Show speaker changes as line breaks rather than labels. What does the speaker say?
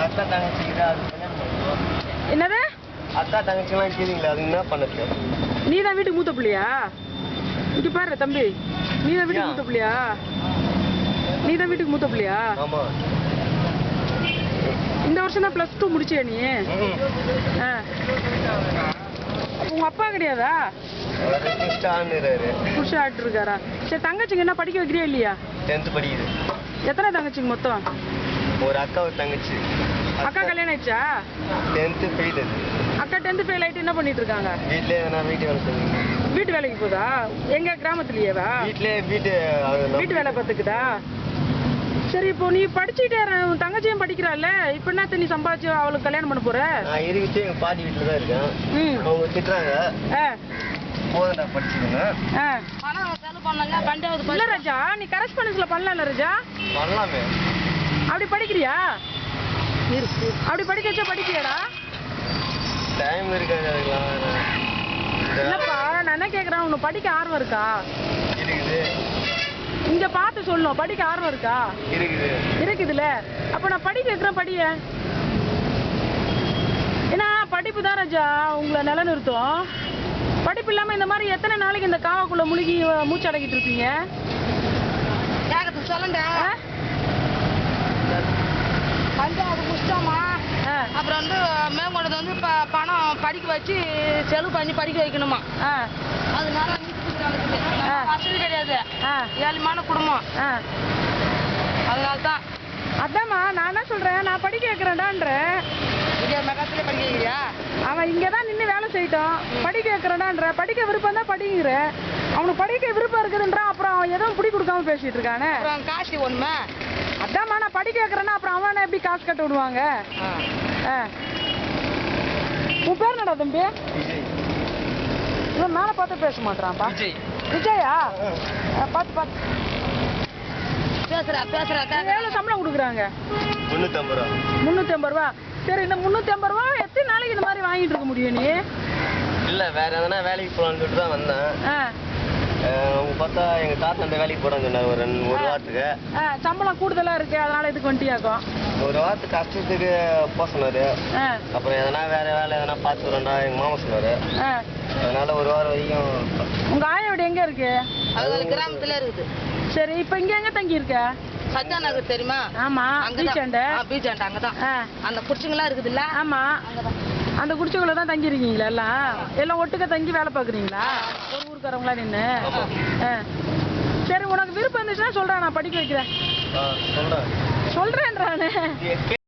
அக்கா தங்கச்சிக்குது அது
என்னது?
அக்கா தங்கச்சிலாம் இருக்கிறீங்களா, அது என்ன பண்ணுது?
நீ தான் வீட்டுக்கு மூத்த பிள்ளையா? இங்க பாரு தம்பி, நீ தான் வீட்டுக்கு மூத்த பிள்ளையா? நீ தான் வீட்டுக்கு மூத்த பிள்ளையா?
ஆமா.
இந்த வருஷம் தான் +2 முடிச்சியா நீ? உங்க அப்பா கிடையாதா? புருஷ ஆட்டு இருக்காரா? சரி, தங்கச்சிங்க என்ன படிக்க வைக்கிறியா இல்லையா?
10th படிக்குது.
எத்தனை தங்கச்சிங்க மொத்தம்?
ஒரு அக்கா ஒரு தங்கச்சி.
அக்கா கல்யாணம் ஆயிடுச்சா?
10th fail.
அக்கா 10th ஃபெயில் ஆயிட்டு என்ன பண்ணிட்டு இருக்காங்க?
வீட்லயே எதனா வீட்டு வேலை செய்யுங்க.
வீட்டு வேலைக்கு போதா? எங்க கிராமத்துலயேவா?
வீட்லயே வீட்டு
வேலை பார்த்துக்குதா? சரி, இப்போ நீ படிச்சுட்டே உன் தங்கச்சியும் படிக்கிறாள்ல, இப்போ என்ன நீ சம்பாதிச்சு அவளுக்கு கல்யாணம் பண்ண போற?
நான் இருக்கிட்டு எங்க பாட்டி வீட்டுல தான் இருக்கேன். அவங்க திட்டுறாங்க. போதா படிச்சுக்கோங்க.
இல்ல ராஜா, நீ கரஸ்பாண்டன்ஸ்ல பண்ணலாம்ல ராஜா?
பண்ணலாமே.
அப்படி படிக்கிறியா? அப்படி படிக்க வச்சா படிக்கிறியாடா?
டைம் இருக்காது அதுக்கெல்லாம்.
இல்லப்பா, நான் என்ன கேக்குறேன், உனக்கு படிக்க ஆர்வம் இருக்கா?
இருக்குது.
இங்க பார்த்து சொல்லணும், படிக்க ஆர்வம் இருக்கா? இருக்குதுல்ல. அப்ப நான் படிக்க வைக்கிறேன், படிய. ஏன்னா படிப்பு தான் ராஜா உங்களை நிலைநிறுத்தும். படிப்பு இல்லாம இந்த மாதிரி எத்தனை நாளைக்கு இந்த காவாக்குள்ள முழுகி மூச்சு அடக்கிட்டு இருப்பீங்க?
பஞ்சாவது புஷ்டமா, அப்புறம் வந்து மேற்கொண்டது வந்து பணம் படிக்க வச்சு செலவு பண்ணி படிக்க வைக்கணுமா. அதனால வசதி கிடையாது, ஏழ்மையான குடும்பம். அதனால்தான்.
அதாம்மா நான் என்ன சொல்றேன், நான் படிக்க வைக்கிறேன்டான்றேன்.
மெகாத்திலே படிக்க வைக்கிறியா?
அவன் இங்கதான் நின்று வேலை செய்யட்டும், படிக்க வைக்கிறேன்டான்ற. படிக்க விருப்பம் தான் படிங்கிற. அவனுக்கு படிக்க விருப்பம் இருக்குதுன்றான், அப்புறம் அவன் எதுவும் பிடி கொடுக்காம பேசிட்டு இருக்கானே.
காசு ஒண்ணுமே.
அதாம்மா நான் படிக்க வைக்கிறேன்னா அப்புறம் அவனை எப்படி காசு கட்ட விடுவாங்க? உன் பேர் என்னடா தம்பி? இவன் மேல பார்த்து பேச மாட்டான்ப்பா. விஜயா? பார்த்து எவ்வளவு சம்பளம் கொடுக்குறாங்க?
350 ரூபா.
350 ரூபா. சரி, இந்த 350 ரூபா எத்தனை நாளைக்கு இந்த மாதிரி வாங்கிட்டு இருக்க முடியும் நீ?
இல்ல, வேற எதனா வேலைக்கு போலான்னு சொல்லிட்டு தான் வந்தேன். அவங்க பார்த்தா எங்க தாத்தா அந்த வேலைக்கு போறான்னு சொன்னாரு ஒரு வாரத்துக்கு.
சம்பளம் கூடுதலா இருக்கு, அதனால இதுக்கு வந்துட்டியாக்கும்.
ஒரு வாரத்துக்கு கஷ்டத்துக்கு போக சொன்னாரு. அப்புறம் எதனா வேற வேலை எதனா பார்த்துக்கிறோம்டா எங்க மாமா சொன்னாரு. அதனால ஒரு வாரம் வரைக்கும்.
உங்க ஆயா வீடு எங்க இருக்கு?
அது கிராமத்துல இருக்குது.
சரி, இப்ப இங்க எங்க தங்கி இருக்க?
சத்யா நகர் தெரியுமா?
ஆமா, பீச்சாண்ட.
பீச்சாண்ட அங்கதான் அந்த குடிச்சுங்களா இருக்குது இல்ல?
ஆமா, அந்த குடிச்சுக்குள்ள தான் தங்கி இருக்கீங்களா? எல்லாம் ஒட்டுக்க தங்கி வேலை பாக்குறீங்களா? ஒரு ஊருக்காரங்களா நின்று? சரி, உனக்கு விருப்பம் இருந்துச்சுன்னா சொல்றேன், நான் படிக்க வைக்கிறேன்.
சொல்றேன்றானே.